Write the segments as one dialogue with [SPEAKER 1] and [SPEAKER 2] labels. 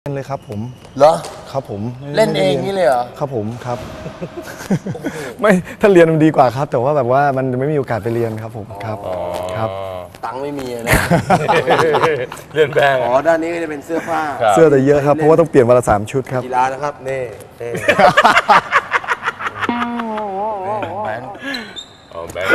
[SPEAKER 1] เลยครับผม
[SPEAKER 2] เหรอ
[SPEAKER 1] ครับผม
[SPEAKER 2] เล่นเองนี่เลยเหรอ
[SPEAKER 1] ครับผมครับไม่ถ้าเรียนมันดีกว่าครับแต่ว่าแบบว่ามันไม่มีโอกาสไปเรียนครับผมครับครับ
[SPEAKER 2] ตังค์ไม่มีนะ
[SPEAKER 3] เรียนแบง
[SPEAKER 2] อ๋อด้านนี้ก็จะเป็นเสื้อผ้า
[SPEAKER 1] เสื้อแต่เยอะครับเพราะว่าต้องเปลี่ยนวันละ3 ชุดครับ
[SPEAKER 2] กีฬานะครับนี่แบงค์
[SPEAKER 3] แบงค์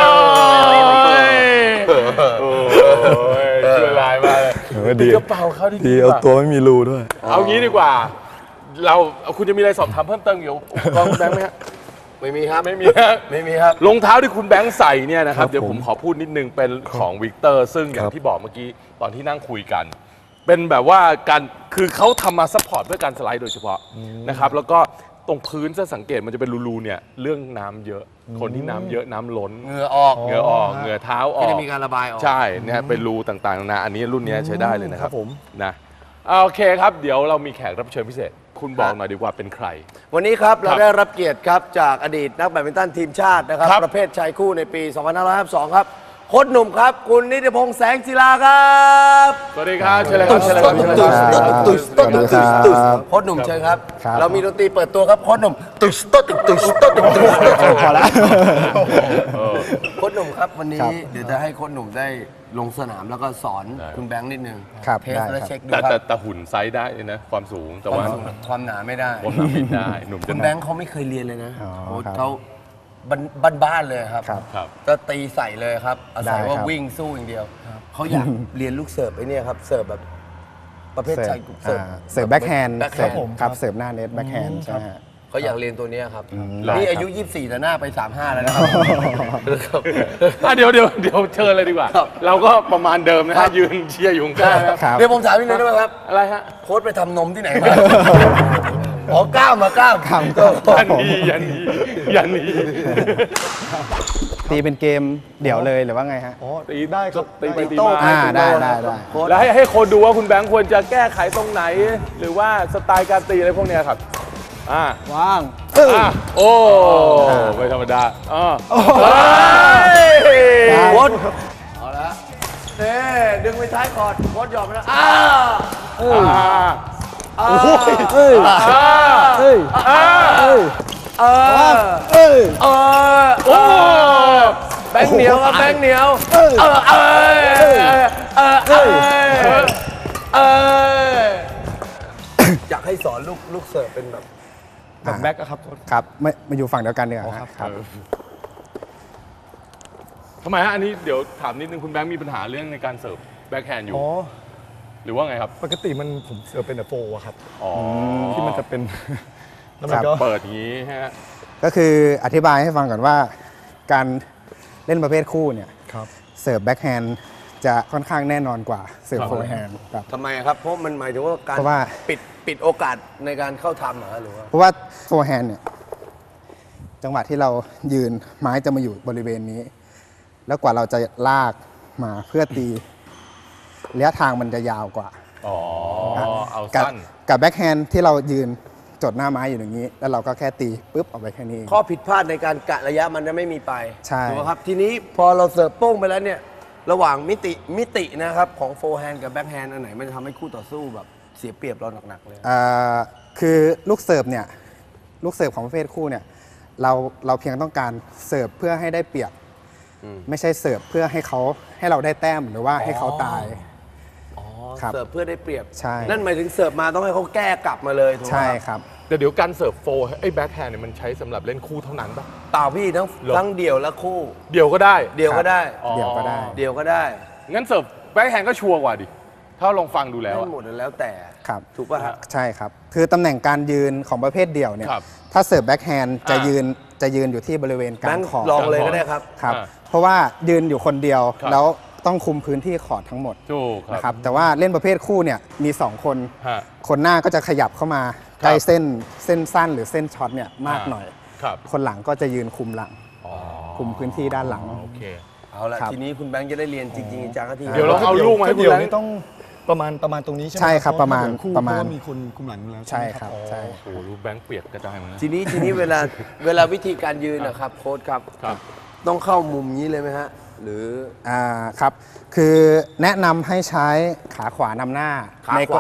[SPEAKER 3] ช่วยลายมาเลย
[SPEAKER 1] ดี
[SPEAKER 3] กระเป๋าเขา
[SPEAKER 1] ดีเอาตัวไม่มีรูด้วย
[SPEAKER 3] เอางี้ดีกว่าคุณจะมีอะไรสอบถามเพิ่มเติมเกี่ยวกับกองแบงค์ไหมฮะ
[SPEAKER 2] ไม่มีครับ
[SPEAKER 3] ไม่มีฮะ
[SPEAKER 2] ไม่มีครับ
[SPEAKER 3] รองเท้าที่คุณแบงค์ใส่เนี่ยนะครับเดี๋ยวผมขอพูดนิดนึงเป็นของวิกเตอร์ซึ่งอย่างที่บอกเมื่อกี้ตอนที่นั่งคุยกันเป็นแบบว่าการคือเขาทำมาซัพพอร์ตเพื่อการสไลด์โดยเฉพาะนะครับแล้วก็ตรงพื้นจะสังเกตมันจะเป็นรูๆเนี่ยเรื่องน้ำเยอะคนที่น้ำเยอะน้ำล้น
[SPEAKER 2] เหงื่อออก
[SPEAKER 3] เหงื่อเท้าออก
[SPEAKER 2] จะมีการระบายออก
[SPEAKER 3] ใช่เนี่ยเป็นรูต่างๆนาอันนี้รุ่นนี้ใช้ได้เลยนะครับ
[SPEAKER 1] ผม
[SPEAKER 3] นะโอเคครับเดี๋ยวเรามีแขกรับเชิญพิเศษคุณบอกหน่อยดีกว่าเป็นใคร
[SPEAKER 2] วันนี้ครับเราได้รับเกียรติครับจากอดีตนักแบดมินตันทีมชาตินะครับประเภทชายคู่ในปี2552ครับโค้ชหนุ่มครับคุณนิติพงษ์แสงศิลาครับ
[SPEAKER 3] สวัสดีครับเชิญเลยครับเชิญเลยครับ
[SPEAKER 2] โค้ชหนุ่มเชิญครับเรามีดนตรีเปิดตัวครับโค้ชหนุ่มพอแล้วโค้ชหนุ่มครับวันนี้เดี๋ยวจะให้โค้ชหนุ่มได้ลงสนามแล้วก็สอนคุณแบงค์นิดนึงเทสและเช็คดูครับ
[SPEAKER 3] แต่หุ่นไซส์ได้นะความสูงแต่ว่า
[SPEAKER 2] ความหนาไม่ได้
[SPEAKER 3] ความหนาไม่ได้หนุ่ม
[SPEAKER 2] คุณแบงค์เขาไม่เคยเรียนเลยนะเขาบ้านๆเลยครับก็ตีใส่เลยครับอาศัยว่าวิ่งสู้อย่างเดียวเขาอยากเรียนลูกเสิร์ฟไอ้นี่ครับเสิร์ฟแบบประเภทชาย
[SPEAKER 4] เสิร์ฟแบ็คแฮนด์ครับเสิร์ฟหน้าเน็ตแบ็คแฮนด์ใช่ฮะ
[SPEAKER 2] เขาอยากเรียนตัวนี้ครับนี่อายุ24แต่หน้าไป35แล้วนะครับ
[SPEAKER 3] เดี๋ยวเชิญเลยดีกว่าเราก็ประมาณเดิมนะฮะยืนเชียร์อยู่ข้างๆ
[SPEAKER 2] เดี๋ยวผมถามนิดนึงได้ไหมครับ
[SPEAKER 3] อะไรฮะ
[SPEAKER 2] โค้ชไปทำนมที่ไหนมาอ๋อก้าว
[SPEAKER 3] ยันนี้
[SPEAKER 4] ตีเป็นเกมเดี่ยวเลยหรือว่าไงฮะ
[SPEAKER 1] อ๋อตีได้ครับ
[SPEAKER 3] ตีไปตีมา
[SPEAKER 4] ได้
[SPEAKER 3] แล้วให้คนดูว่าคุณแบงค์ควรจะแก้ไขตรงไหนหรือว่าสไตล์การตีอะไรพวกนี้ครับ
[SPEAKER 4] ว่าง
[SPEAKER 3] โอ้ไม่ธรรมดา
[SPEAKER 2] โค้ชเอาละดึงไปท้ายก่อนโค้ชยอมแล้วโอ้แบงค์เหนียวครับแบงค์เหนียวอยากให้สอนลูกเสิร์ฟเป็นแบบ
[SPEAKER 1] แบ็คครับ
[SPEAKER 4] ครับมาอยู่ฝั่งเดียวกันเนี่ยครับ
[SPEAKER 3] ทำไมฮะอันนี้เดี๋ยวถามนิดนึงคุณแบงค์มีปัญหาเรื่องในการเสิร์ฟแบ็คแฮนด์อยู่หรือว่าไงครับ
[SPEAKER 1] ปกติผมเสิร์ฟเป็นแต่โฟครับที่มันจะเป็น
[SPEAKER 3] แล้วมันก็เปิดอย่างนี้ฮะ
[SPEAKER 4] ก็คืออธิบายให้ฟังก่อนว่าการเล่นประเภทคู่เนี่ยเสิร์ฟแบ็คแฮนด์จะค่อนข้างแน่นอนกว่าเสิร์ฟโฟร์แฮนด์ครับ
[SPEAKER 2] ทำไมครับเพราะมันหมายถึงว่าการปิดโอกาสในการเข้าทำหรือว่า
[SPEAKER 4] เพราะว่าโฟร์แฮนด์เนี่ยจังหวะที่เรายืนไม้จะมาอยู่บริเวณนี้แล้วกว่าเราจะลากมาเพื่อตีระยะทางมันจะยาวกว่า
[SPEAKER 3] เอาสั้น
[SPEAKER 4] กับแบ็คแฮนด์ที่เรายืนจดหน้าไม้อยู่อย่างนี้แล้วเราก็แค่ตีปุ๊บออกไปแค่นี้
[SPEAKER 2] ข้อผิดพลาดในการกะระยะมันจะไม่มีไป
[SPEAKER 4] ใช่
[SPEAKER 2] ถูกไหมครับทีนี้พอเราเสิร์ฟโป้งไปแล้วเนี่ยระหว่างมิตินะครับของโฟร์แฮนด์กับแบ็คแฮนด์อันไหนมันจะทำให้คู่ต่อสู้แบบเสียเปรียบเราหนักๆเลย
[SPEAKER 4] คือลูกเสิร์ฟเนี่ยลูกเสิร์ฟของประเภทคู่เนี่ยเราเพียงต้องการเสิร์ฟเพื่อให้ได้เปรียบไม่ใช่เสิร์ฟเพื่อให้เราได้แต้มหรือว่าให้เขาตาย
[SPEAKER 2] เสิร์ฟเพื่อได้เปรียบ
[SPEAKER 4] ใช่
[SPEAKER 2] นั่นหมายถึงเสิร์ฟมาต้องให้เขาแก้กลับมาเลยถูกไหม
[SPEAKER 4] ใช่ครับ
[SPEAKER 3] แต่เดี๋ยวการเสิร์ฟโฟร์แบ็คแฮนด์เนี่ยมันใช้สำหรับเล่นคู่เท่านั้นป่ะ
[SPEAKER 2] เปล่าพี่ทั้งเดี่ยวและคู่
[SPEAKER 3] เดี่ยวก็ได้
[SPEAKER 2] เดี่ยวก็ได้
[SPEAKER 3] งั้นเสิร์ฟแบ็คแฮนด์ก็ชัวร์กว่าดิถ้าลองฟังดูแล้ว
[SPEAKER 2] หมดแล้วแต่
[SPEAKER 4] ครับ
[SPEAKER 2] ถูกป่ะครับ
[SPEAKER 4] ใช่ครับคือตำแหน่งการยืนของประเภทเดี่ยวเนี่ยถ้าเสิร์ฟแบ็คแฮนด์จะยืนอยู่ที่บริเวณกลางคอร์ต
[SPEAKER 2] ลองเลยก็ได้ครับ
[SPEAKER 4] เพราะว่ายืนอยู่คนเดียวแล้วต้องคุมพื้นที่คอร์ตทั้งหมดนะครับแต่ว่าเล่นประเภทคู่เนี่ยมี2คนหน้าก็จะขยับเข้ามาใกล้เส้นสั้นหรือเส้นช็อตเนี่ยมากหน่อยคนหลังก็จะยืนคุมหลังคุมพื้นที่ด้านหลัง
[SPEAKER 3] โอเค
[SPEAKER 2] เอาละทีนี้คุณแบงค์จะได้เรียนจริงๆจังที
[SPEAKER 3] เดี๋ยวเราเอาลูกมาให้คุณแบงค์
[SPEAKER 1] ต้องประมาณตรงนี้ใช่ไหม
[SPEAKER 4] ใช่ครับประมาณ
[SPEAKER 1] มีคนคุมหลังแล้ว
[SPEAKER 4] ใช่ครับใช่
[SPEAKER 3] โอ้ลูกแบงค์เปียกกระจายหมด
[SPEAKER 2] ทีนี้เวลาวิธีการยืนนะครับโค้ชครับต้องเข้ามุมนี้เลยไหมฮะหรือ
[SPEAKER 4] ครับคือแนะนำให้ใช้ขาขวานำหน้า
[SPEAKER 2] ขาขวา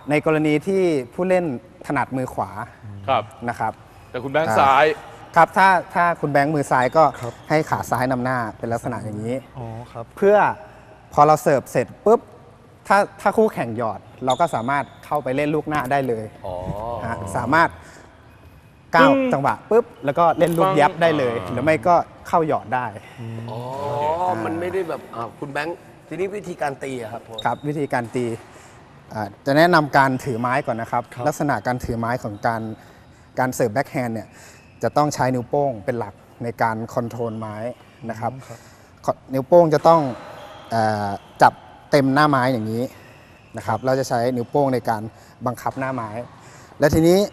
[SPEAKER 4] ในกรณีที่ผู้เล่นถนัดมือขวา
[SPEAKER 3] ครับ
[SPEAKER 4] นะครับ
[SPEAKER 3] แต่คุณแบงค์ซ้าย
[SPEAKER 4] ครับถ้าคุณแบงค์มือซ้ายก็ให้ขาซ้ายนำหน้าเป็นลักษณะอย่างนี้
[SPEAKER 1] อ๋อครับ
[SPEAKER 4] เพื่อพอเราเสิร์ฟเสร็จปุ๊บถ้าคู่แข่งหยอด เราก็สามารถเข้าไปเล่นลูกหน้าได้เลยฮะสามารถก้าวจังหวะปุ๊บแล้วก็เล่นลูกยับได้เลย หรือไม่ก็เข้าหยอดได้
[SPEAKER 2] อ๋อ มันไม่ได้แบบคุณแบงค์ทีนี้วิธีการตีอะครับ
[SPEAKER 4] ครับวิธีการตีจะแนะนำการถือไม้ก่อนนะครับ ลักษณะการถือไม้ของการเสิร์ฟแบ็คแฮนด์เนี่ยจะต้องใช้นิ้วโป้งเป็นหลักในการคอนโทรลไม้นะครับนิ้วโป้งจะต้องจับเต็มหน้าไม้อย่างนี้นะครับเราจะใช้นิ้วโป้งในการบังคับหน้าไม้ และทีนี้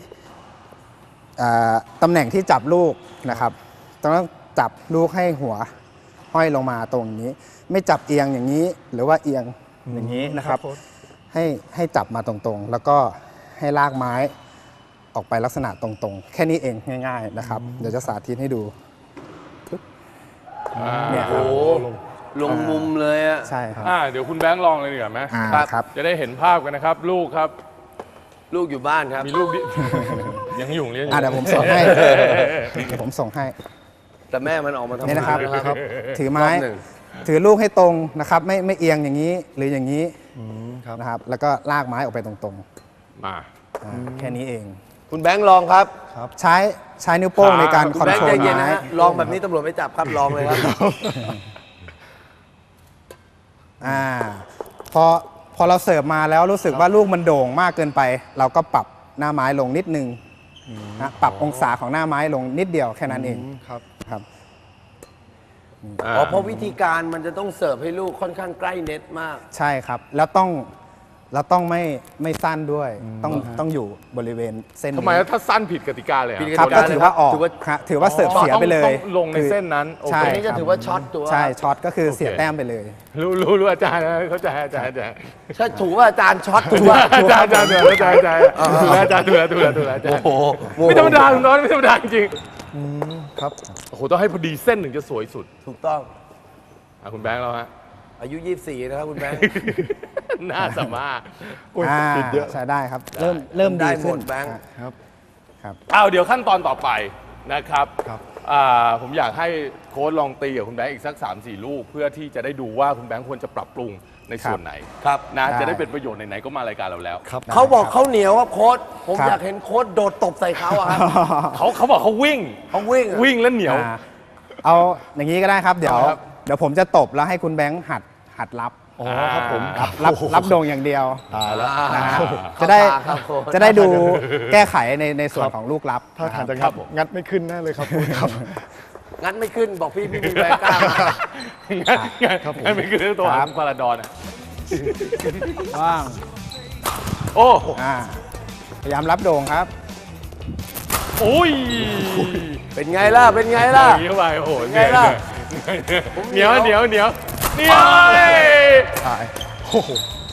[SPEAKER 4] ตำแหน่งที่จับลูกนะครับต้องจับลูกให้หัวห้อยลงมาตรงนี้ ไม่จับเอียงอย่างนี้หรือว่าเอียงอย่างนี้นะครับให้จับมาตรงๆ แล้วก็ให้ลากไม้ออกไปลักษณะตรงๆ แค่นี้เองง่ายๆนะครับเดี๋ยวจะสาธิตให้ดูเนี่ยครับ
[SPEAKER 2] โอ้ลงมุมเลยอะ
[SPEAKER 4] ใช่ครับ
[SPEAKER 3] เดี๋ยวคุณแบงค์ลองเลยดีกว่าไหม
[SPEAKER 4] ครับ
[SPEAKER 3] จะได้เห็นภาพกันนะครับ ลูกครับ
[SPEAKER 2] ลูกอยู่บ้านครับ
[SPEAKER 3] มีลูกดิ ยังอยู่เรียนอยู่
[SPEAKER 4] เดี๋ยวผมส่งให้เดี๋ยวผมส่งให้
[SPEAKER 2] แต่แม่มันออกมาทำ
[SPEAKER 4] นี่นะครับ
[SPEAKER 2] งาน
[SPEAKER 4] ถือไม้
[SPEAKER 2] รอบหนึ่ง
[SPEAKER 4] ถือลูกให้ตรงนะครับไม่เอียงอย่างนี้หรืออย่างนี้
[SPEAKER 1] ครับ
[SPEAKER 4] นะครับแล้วก็ลากไม้ออกไปตรง
[SPEAKER 3] มา
[SPEAKER 4] ๆแค่นี้เอง
[SPEAKER 2] คุณแบงค์ลองครับ
[SPEAKER 4] ใช้นิ้วโป้งในการ
[SPEAKER 2] คุ
[SPEAKER 4] คอน
[SPEAKER 2] ณแบง
[SPEAKER 4] โท
[SPEAKER 2] ค์
[SPEAKER 4] ร
[SPEAKER 2] ใจ
[SPEAKER 4] ล
[SPEAKER 2] เย็นนะ
[SPEAKER 4] ไม้
[SPEAKER 2] ฮะลองแบบนี้ตำรวจไม่จับครับลองเลยครับ
[SPEAKER 4] พอเราเสิร์ฟมาแล้วรู้สึกว่าลูกมันโด่งมากเกินไป เราก็ปรับหน้าไม้ลงนิดนึงนะปรับองศาของหน้าไม้ลงนิดเดียวแค่นั้นเอง
[SPEAKER 1] ครับ
[SPEAKER 4] ครับ
[SPEAKER 2] เพราะวิธีการมันจะต้องเสิร์ฟให้ลูกค่อนข้างใกล้เน็ตมาก
[SPEAKER 4] ใช่ครับแล้วต้องไม่สั้นด้วยต้องอยู่บริเวณเส้น
[SPEAKER 3] ทำไม
[SPEAKER 4] นี้
[SPEAKER 3] ถ้าสั้นผิดกติกาเลยอะ
[SPEAKER 2] ผิด
[SPEAKER 4] ครับ
[SPEAKER 2] กติกา
[SPEAKER 4] ก็ถือว่าออก
[SPEAKER 2] ถือว่า
[SPEAKER 4] ฮะถือว่าเสิร์ฟเสียไปเลย
[SPEAKER 3] ต้องลงในเส้นนั้นโอ
[SPEAKER 4] ใช่
[SPEAKER 3] เค
[SPEAKER 2] อันนี้จะถือว่าช็อตตัว
[SPEAKER 4] ใช่ช็อตก็คือเสียแต้มไปเลย
[SPEAKER 3] รู้อาจารย์นะเข้าใจอาจารย์
[SPEAKER 2] ใช่ถูกว่าอาจารย์ช็อตถูกว่า
[SPEAKER 3] อาจารย์ถูกแล้วอาจารย์ถูกแล้วอาจารย์
[SPEAKER 2] โอ้โห
[SPEAKER 3] ไม่ธรรมดาคุณน้อยไม่ธรรมดาจริง
[SPEAKER 1] ครับ
[SPEAKER 3] โอ้โหต้องให้พอดีเส้นหนึ่งจะสวยสุด
[SPEAKER 2] ถูกต้อง
[SPEAKER 3] คุณแบงค์เราฮะ
[SPEAKER 2] อายุ 24 นะครับคุณแบงค์
[SPEAKER 3] น่าสามารถ
[SPEAKER 1] ติดเยอะ
[SPEAKER 4] ใช้ได้ครับ เริ่ม
[SPEAKER 2] ได้
[SPEAKER 4] ดี
[SPEAKER 2] หม
[SPEAKER 4] ขึ้น
[SPEAKER 2] ดแบงค์
[SPEAKER 1] ครับ
[SPEAKER 3] เดี๋ยวขั้นตอนต่อไปนะครับ
[SPEAKER 1] ครับ
[SPEAKER 3] ผมอยากให้โค้ชลองตีกับคุณแบงค์อีกสัก 3-4 ลูกเพื่อที่จะได้ดูว่าคุณแบงค์ควรจะปรับปรุงในส่วนไหน
[SPEAKER 2] ครับ
[SPEAKER 3] นะ
[SPEAKER 4] ได้
[SPEAKER 3] จะได้เป็นประโยชน์ไหนๆก็มารายการเราแล้ว
[SPEAKER 1] ครับ
[SPEAKER 2] เขาบอกเขาเหนียวครับโค้ชผม
[SPEAKER 4] ครับ
[SPEAKER 2] อยากเห็นโค้ชโดดตบใส่เขาอะครับ
[SPEAKER 3] เขาบอกเขาวิ่ง
[SPEAKER 2] เขาวิ่งอะ
[SPEAKER 3] วิ่งแล้วเหนียว
[SPEAKER 4] เอาอย่างนี้ก็ได้ครับ เดี๋ยว
[SPEAKER 3] ครับ
[SPEAKER 4] เดี๋ยวผมจะตบแล้วให้คุณแบงค์หัดรับ
[SPEAKER 1] อ๋อครับผม
[SPEAKER 4] รับโด่งอย่างเดียว
[SPEAKER 1] ตายแล้ว
[SPEAKER 4] นะฮะ
[SPEAKER 2] เข้า
[SPEAKER 4] จะได้
[SPEAKER 2] ตาครับโค้ช
[SPEAKER 4] จะได้ดูแก้ไขในส่วนของลูกรับ
[SPEAKER 1] ถ้าทางจะ
[SPEAKER 3] ครั
[SPEAKER 1] งั
[SPEAKER 3] บ
[SPEAKER 1] ด
[SPEAKER 3] ผม
[SPEAKER 1] งัดไม่ขึ้นแน่เลยครับครับ
[SPEAKER 2] งัดไม่ขึ้นบอกพี่ไม่มีแรงกล้า
[SPEAKER 3] งั้นไม่คือเรื่องตัว
[SPEAKER 4] ครับ
[SPEAKER 3] พาราดอนอะ
[SPEAKER 4] ว่าง
[SPEAKER 3] โอ้
[SPEAKER 4] พยายามรับโด่งครับ
[SPEAKER 3] โอ้ย
[SPEAKER 2] เป็นไงล่ะ เป็นไงล่ะ
[SPEAKER 3] อย่างนี้เข้าไปโอ้โห
[SPEAKER 2] ไงล่ะ
[SPEAKER 3] เหนียวเหนียวเหนียวเหนียว
[SPEAKER 1] ตายโอ้โห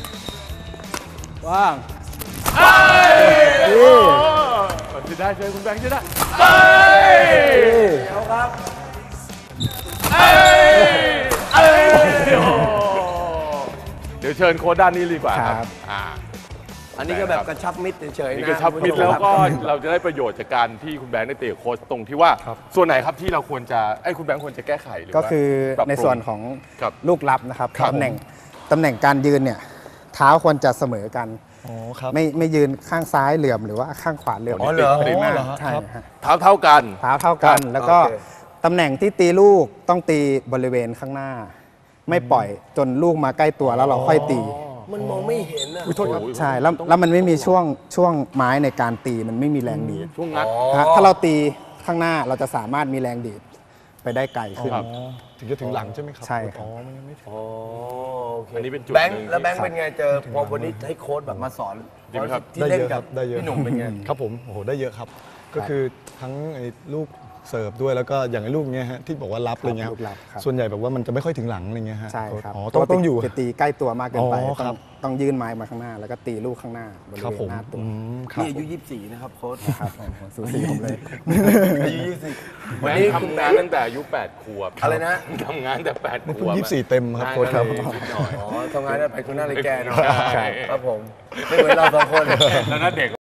[SPEAKER 4] ว่าง
[SPEAKER 3] โอ้จะได้เจอคุณแบงค์จะได้เอ้ย
[SPEAKER 2] เดี๋ยวครับ
[SPEAKER 3] เอ้ยเอ้ยโอ้เดี๋ยวเชิญโค้ชด้านนี้ดีกว่าครับ
[SPEAKER 2] อันนี้ก็แบบกระชับมิตรเฉยๆ
[SPEAKER 3] นี่
[SPEAKER 2] นะ
[SPEAKER 3] กระชับมิตร
[SPEAKER 2] คุณผู้ช
[SPEAKER 3] แล้ว
[SPEAKER 2] ม
[SPEAKER 3] ก็
[SPEAKER 2] ครับ
[SPEAKER 3] เราจะได้ประโยชน์จากการที่คุณแบงค์ได้เตะโค้ชตรงที่ว่า ส่วนไหนครับที่เราควรจะคุณแบงค์ควรจะแก้ไขหรือว่า
[SPEAKER 4] ก็คือ
[SPEAKER 3] ปรับปรุง
[SPEAKER 4] ในส่วนของ
[SPEAKER 3] ครับ
[SPEAKER 4] ลูกรับนะครับ
[SPEAKER 3] ครับ
[SPEAKER 4] ตำแหน่งการยืนเนี่ยเท้าควรจะเสมอกัน
[SPEAKER 1] อ๋อครับ
[SPEAKER 4] ไม่ยืนข้างซ้ายเหลื่อมหรือว่าข้างขวาเหลื่อม
[SPEAKER 3] อ๋อเหรอ
[SPEAKER 4] ติดมาก
[SPEAKER 1] อ๋อเหรอฮะ
[SPEAKER 4] ใช่
[SPEAKER 1] ครับ
[SPEAKER 4] ฮะ
[SPEAKER 3] เท่ากัน
[SPEAKER 4] เท้าเท่ากัน
[SPEAKER 3] ครับ
[SPEAKER 4] แล้วก็
[SPEAKER 2] โอเค
[SPEAKER 4] ตำแหน่งที่ตีลูกต้องตีบริเวณข้างหน้า ไม่ปล่อยจนลูกมาใกล้ตัวแล้วเราค่อยตี
[SPEAKER 2] มันมองไม่เห็นอะ
[SPEAKER 1] อุ้ยโทษครับ
[SPEAKER 4] ใช่แล้วมันไม่มีช่วงไม้ในการตีมันไม่มีแรงดีด
[SPEAKER 3] ช่วงงัด
[SPEAKER 4] ฮะถ้าเราตีข้างหน้าเราจะสามารถมีแรงดีดไปได้ไกลขึ้น
[SPEAKER 3] ครับ
[SPEAKER 1] ถึงจะถึงหลังใช่ไหมครับ
[SPEAKER 4] ใช่ครับ
[SPEAKER 1] อ๋อไม่งั้นไม่ถึง
[SPEAKER 2] อ๋อโอเค
[SPEAKER 3] อันนี้เป็นจุด
[SPEAKER 2] แบงค์
[SPEAKER 3] หนึ่ง
[SPEAKER 2] แล้วแบงค์เป็นไงเจอพอวันนี้ให้โค้ชแบบมาสอน
[SPEAKER 3] ดีไหมครับ
[SPEAKER 2] ที่
[SPEAKER 1] ได้
[SPEAKER 2] เล่น
[SPEAKER 1] เยอะค
[SPEAKER 2] กั
[SPEAKER 1] รั
[SPEAKER 2] บบ
[SPEAKER 1] ได้เยอะ
[SPEAKER 2] พี่หนุ่มเป็นไง
[SPEAKER 1] ครับผมโอ้โหได้เยอะครับ ก็คือทั้งไอ้ลูกเสิร์ฟด้วยแล้วก็อย่างไอ้ลูกเงี้ยฮะที่บอกว่ารับอะไรเงี้ย
[SPEAKER 4] ลูกรับครับ
[SPEAKER 1] ส่วนใหญ่แบบว่ามันจะไม่ค่อยถึงหลังอะไรเงี้ยฮะ
[SPEAKER 4] ใช่ครับ
[SPEAKER 1] อ๋อต้องอยู่
[SPEAKER 4] จะตีใกล้ตัวมากเกินไป
[SPEAKER 1] อ๋อค
[SPEAKER 4] ต้
[SPEAKER 1] รั
[SPEAKER 4] อบ งยื่นไม้มาข้างหน้า แล้วก็ตีลูกข้างหน้าบริ
[SPEAKER 1] ครับ
[SPEAKER 4] เว
[SPEAKER 1] ผ
[SPEAKER 4] ณ
[SPEAKER 1] ม
[SPEAKER 4] หน้าตัว
[SPEAKER 1] ครับ
[SPEAKER 2] นี่อายุ 24 นะครับโค้ช
[SPEAKER 4] ครับสูสีผมเลย
[SPEAKER 2] อายุ 20 วัน
[SPEAKER 3] แม่
[SPEAKER 2] นี้
[SPEAKER 3] ทำงานตั้งแต่อายุ 8 ขวบ
[SPEAKER 2] อะไรนะ
[SPEAKER 3] ทำงานแต่8 ข
[SPEAKER 1] นี่
[SPEAKER 3] ว
[SPEAKER 1] เพิ่ง
[SPEAKER 3] บ
[SPEAKER 1] 24 เต็มครับโค้ชครับ
[SPEAKER 3] ได้นิดหน่อย
[SPEAKER 2] อ๋อทำงานได้ไปคุณหน้าเลยแกเนาะ
[SPEAKER 3] ใช่
[SPEAKER 2] ครับผม ไม่เหมือนเราสองคน
[SPEAKER 3] แล้วน่าเด็ก